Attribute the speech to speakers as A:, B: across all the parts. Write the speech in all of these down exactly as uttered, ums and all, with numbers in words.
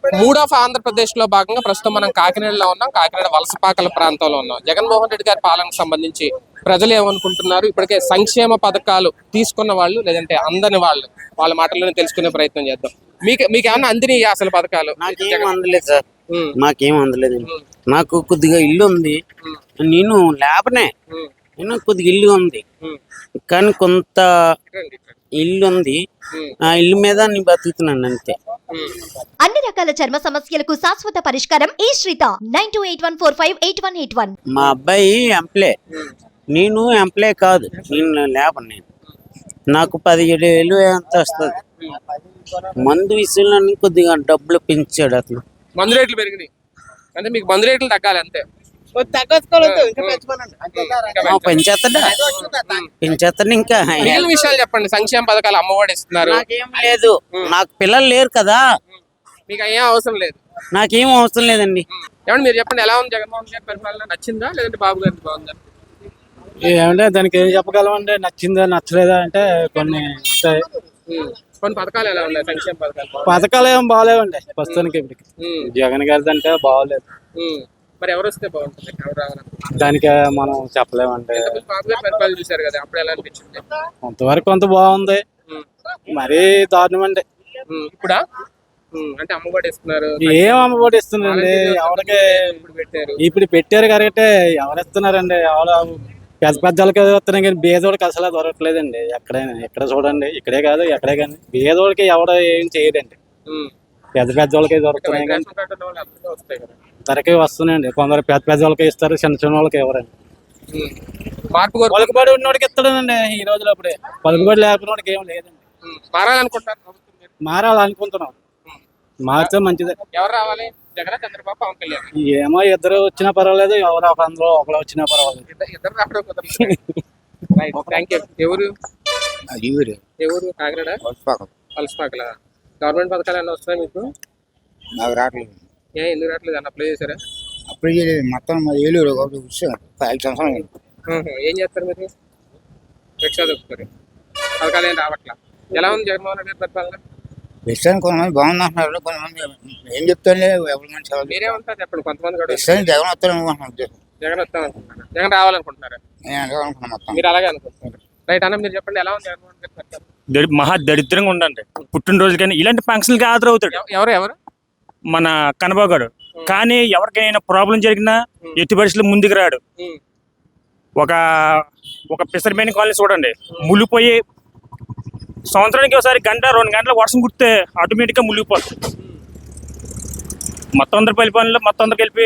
A: Mood of Andhra Pradesh లో భాగంగా ప్రస్తుతం మనం కాకినాడలో ఉన్నాం. కాకినాడ వలసపాకల ప్రాంతంలో ఉన్నాం. జగన్మోహన్ రెడ్డి గారి పాలనకు సంబంధించి ప్రజలు ఏమనుకుంటున్నారు, ఇప్పటికే సంక్షేమ పథకాలు తీసుకున్న వాళ్ళు లేదంటే అందని వాళ్ళు వాళ్ళ మాటల్లోనే తెలుసుకునే ప్రయత్నం చేద్దాం. మీకు మీకు ఏమన్నా అందిని అసలు పథకాలు?
B: నాకేం అందలేదు సార్, నాకేం అందలేదు. నాకు కొద్దిగా ఇల్లు ఉంది, నేను లేపనే నేను కొద్దిగా ఇల్లు ఉంది కానీ కొంత ఇల్లు ఉంది, ఆ ఇల్లు మీద నేను బతుకుతున్నాను అంతే.
C: అన్ని రకాల చర్మ సమస్యలకు శాశ్వత పరిష్కారం ఈ Sritha nine two eight one four five eight one eight one.
B: మా అబ్బాయి ఎంప్లాయ్, నేను ఎంప్లాయ్ కాదు, నేను లేపను. నేను నాకు పదిహేడు వేలు ఎంత వస్తుంది. మందు విషయంలో కొద్దిగా డబ్బులు పెంచాడు అతను.
A: మందు రేట్లు పెరిగినాయి అంటే మీకు మందు రేట్లు తగ్గాలి అంతే.
B: పెంచేస్తాడా పెంచేస్తాడు ఇంకా.
A: మిగిలిన విషయాలు చెప్పండి. సంక్షేమ పథకాలు అమ్మఒడి ఇస్తున్నారు.
B: నాకేం లేదు, నాకు పిల్లలు లేరు కదా,
A: మీకు ఏం అవసరం లేదు.
B: నాకేం అవసరం లేదండి.
A: ఏమంటే మీరు చెప్పండి, ఎలా ఉంది జగన్మోహన్ గారి పరిపాలన? నచ్చిందా లేదంటే బాబు గారికి బాగుందా?
D: ఏమంటే దానికి ఏం చెప్పగలమంటే, నచ్చిందా నచ్చలేదా అంటే కొన్ని ఉంటాయి.
A: కొన్ని పథకాలు ఎలా ఉన్నాయి? సంక్షేమ పథకాలు
D: పథకాలు ఏం బాగాలేవండి ప్రస్తుతానికి. ఇప్పటికి జగన్ గారిది అంటే బాగోలేదు.
A: మరి ఎవరు వస్తే బాగుంటుంది? ఎవరు రావాలనుకుంటున్నారు?
D: దానికి మనం చెప్పలేమంటే.
A: బాబు గారి పరిపాలన చూసారు కదా, అప్పుడు ఎలా అనిపించింది?
D: కొంతవరకు కొంత బాగుంది, మరీ దారుణం అండి.
A: ఇప్పుడా అంటే అమ్మఒడి ఇస్తున్నారు.
D: ఏం అమ్మఒడి ఇస్తున్నారండి ఎవరికి? ఇప్పుడు పెట్టారు కరెక్టే, ఎవరు ఇస్తున్నారండి? ఎవరు పెద్ద పెద్దోళ్ళకి వస్తున్నాయి కానీ బేదోడికి అసలు దొరకట్లేదండి. ఎక్కడైనా ఎక్కడ చూడండి, ఇక్కడే కాదు ఎక్కడే కానీ బేదోడికి ఎవరు ఏం చేయరండి. పెద్ద పెద్ద వాళ్ళకి దొరుకుతున్నాయి కానీ ధరకే వస్తున్నాయండి. కొందరు పెద్ద పెద్ద వాళ్ళకి ఇస్తారు, చిన్న చిన్న వాళ్ళకి ఎవరండి.
A: మార్పు
D: పలుకుబడి ఉన్నోడికి ఇస్తాడండి ఈ రోజులో. అప్పుడే పలుకుబడి లేకపోవడానికి ఏం లేదండి.
A: మారాలనుకుంటారు
D: మారాలనుకుంటున్నాం, మారితే మంచిదే.
A: ఎవరు రావాలి? జగన్, చంద్రబాబు, పవన్ కళ్యాణ్?
D: ఏమో ఇద్దరు వచ్చినా పర్వాలేదు, ఎవరు ఒక అందులో ఒకరు వచ్చినా పర్వాలేదు.
A: ఇద్దరు రావడం కుదరదు. Thank you. ఎవరు ఎవరు? కాకినాడ వలసపాకల. గవర్నమెంట్ పథకాలు ఏమైనా వస్తున్నాయి మీకు?
E: నాకు రావట్లేదు.
A: ఏ ఎందుకు రావట్లేదు? అన్న అప్లై చేశారా?
E: అప్లై చేయలేదు. మొత్తం ఏలూరు ఐదు సంవత్సరాలు.
A: ఏం చేస్తారు మీరు? రిక్షా దొక్కుతారు. పథకాలు ఏం రావట్లా. ఎలా ఉంది జగన్మోహన్ రెడ్డి పరిపాలన?
E: ప్రస్తుతానికి కొంతమంది బాగుంది అంటున్నారు, కొంతమంది ఏం చెప్తాను ఎవరి మంచి.
A: మీరేమంటారు చెప్పండి. కొంతమంది కూడా
E: ప్రస్తుతానికి జగన్ వస్తాను అనుకుంటున్నాను.
A: జగన్ వస్తాం అనుకుంటున్నారు. జగన్ రావాలనుకుంటున్నారా?
E: నేను అనుకున్నాను మొత్తం.
A: మీరు అలాగే అనుకుంటున్నారు. రైట్ అన్న, మీరు చెప్పండి ఎలా ఉంది జగన్మోహన్ రెడ్డి పరిపాలన?
F: మహా దరిద్రంగా ఉండండి. పుట్టినరోజు కానీ ఇలాంటి ఫంక్షన్కి హాజరవుతాడు.
A: ఎవరు ఎవరు?
F: మన కనబాగాడు. కానీ ఎవరికైనా ప్రాబ్లం జరిగినా ఎట్టి పరిస్థితులు ముందుకు రాడు. ఒక ఒక పిసర్మేని కాలనీ చూడండి, ములిపోయి సంవత్సరానికి ఒకసారి గంట రెండు గంటల వర్షం కుడితే ఆటోమేటిక్గా మునిగిపోతుంది. మొత్తం అందరి పరిపాలనలో మొత్తం అందరికి వెళ్ళి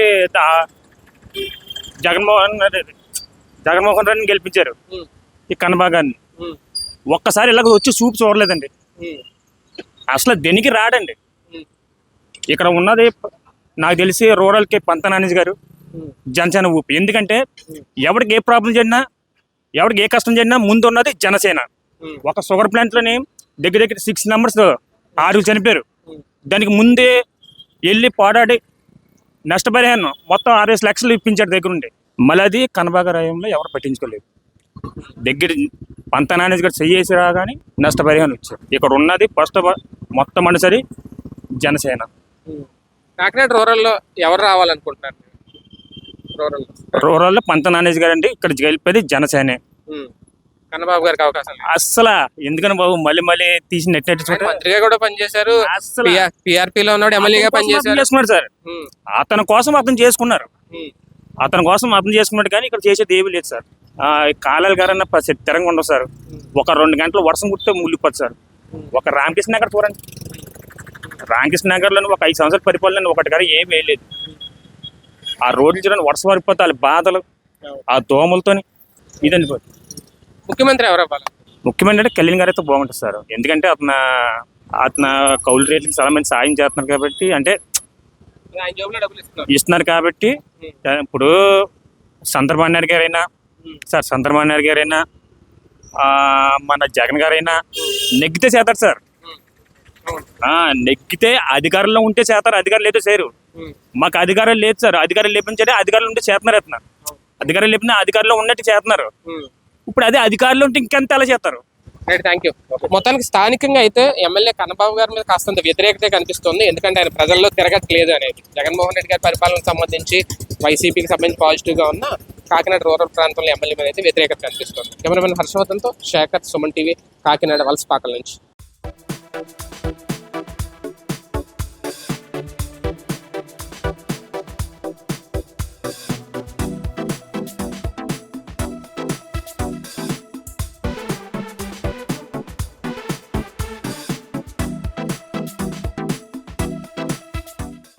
F: జగన్మోహన్ రెడ్డి జగన్మోహన్ రెడ్డిని గెలిపించారు ఈ కనబాగాన్ని. ఒక్కసారి ఇలాగ వచ్చి చూపు చూడలేదండి. అసలు దేనికి రాడండి. ఇక్కడ ఉన్నది నాకు తెలిసి రూరల్కి పంత నానేజ్ గారు, జనసేన ఊపి. ఎందుకంటే ఎవరికి ఏ ప్రాబ్లం జరిగినా, ఎవరికి ఏ కష్టం జరిగినా ముందు ఉన్నది జనసేన. ఒక షుగర్ ప్లాంట్లోని దగ్గర దగ్గర సిక్స్ మెంబర్స్ ఆరుగురు చనిపోయారు. దానికి ముందే వెళ్ళి పోరాడి నష్టపరిహారం మొత్తం ఆరేసి లక్షలు ఇప్పించాడు దగ్గరుండి. మళ్ళీ అది కనబాగరాయంలో ఎవరు పట్టించుకోలేదు. దగ్గర పంత నానేజ్ గారు చెయ్యేసి రాగానే నష్టపరిహారం వచ్చారు. ఇక్కడ ఉన్నది ఫస్ట్ మొత్తం అనుసరి జనసేన.
A: కాకినాడ రూరల్లో ఎవరు రావాలనుకుంటున్నారు? రూరల్
F: రూరల్లో పంత నానేజ్ గారు అండి. ఇక్కడ గెలిపేది జనసేనే.
A: కన్నబాబు గారికి అవకాశం
F: అస్సలు. ఎందుకని బాబు మళ్ళీ మళ్ళీ తీసి నెట్ నెట్
A: మంత్రిగా కూడా పనిచేశారు,
F: అసలు
A: పిఆర్పీలో ఉన్నాడు, ఎమ్మెల్యేగా పనిచేశారు
F: సార్. అతని కోసం అతను చేసుకున్నారు, అతని కోసం అతను చేసుకున్నాడు. కానీ ఇక్కడ చేసేది ఏమీ లేదు సార్. కాలాలు గారన్న తిరంగా ఉండవు సార్. ఒక రెండు గంటలు వర్షం కుట్టే ముళ్ళిపోదు సార్. ఒక రామకృష్ణ నగర్ చూడండి, రామకృష్ణ నగర్లో ఒక ఐదు సంవత్సరాల పరిపాలన ఒకటి గారు ఏం వేయలేదు. ఆ రోడ్లు చూడండి, వర్షం పడిపోతే వాళ్ళ బాధలు, ఆ దోమలతో ఇదండి.
A: ముఖ్యమంత్రి ఎవరు అవ్వాలి?
F: ముఖ్యమంత్రి అంటే కళ్యాణ్ గారు అయితే బాగుంటుంది సార్. ఎందుకంటే అతను అతను కౌలు రేట్లకి చాలా మంది సాయం చేస్తున్నారు కాబట్టి, అంటే ఇస్తున్నారు కాబట్టి. ఇప్పుడు చంద్రబాబు నాయుడు గారైనా సార్, చంద్రబాబు నాయుడు గారైనా మన జగన్ గారైనా నెగ్గితే చేస్తారు సార్. నెగ్గితే అధికారంలో ఉంటే చేస్తారు, అధికారులు లేదో చేయరు. మాకు అధికారం లేదు సార్. అధికారులు లేపించే అధికారులు ఉంటే చేస్తున్నారు. అతను అధికారులు లేపినా అధికారంలో ఉన్నట్టు చేస్తున్నారు. ఇప్పుడు అదే అధికారులు ఉంటే ఇంకెంత ఎలా చేస్తారు?
A: Right, thank you. మొత్తానికి స్థానికంగా అయితే ఎమ్మెల్యే కన్నబాబు గారి మీద కాస్తంత వ్యతిరేకత కనిపిస్తుంది. ఎందుకంటే ఆయన ప్రజల్లో తిరగట్లేదు అనేది. జగన్మోహన్ రెడ్డి గారి పరిపాలనకు సంబంధించి వైసీపీకి సంబంధించి పాజిటివ్ గా ఉన్న కాకినాడ రూరల్ ప్రాంతంలో ఎమ్మెల్యే మీద అయితే వ్యతిరేకత కనిపిస్తుంది. కెమెరామెన్ హర్షవర్ధన్తో శేఖర్, సుమన్ టీవీ, కాకినాడ వలసపాకల నుంచి.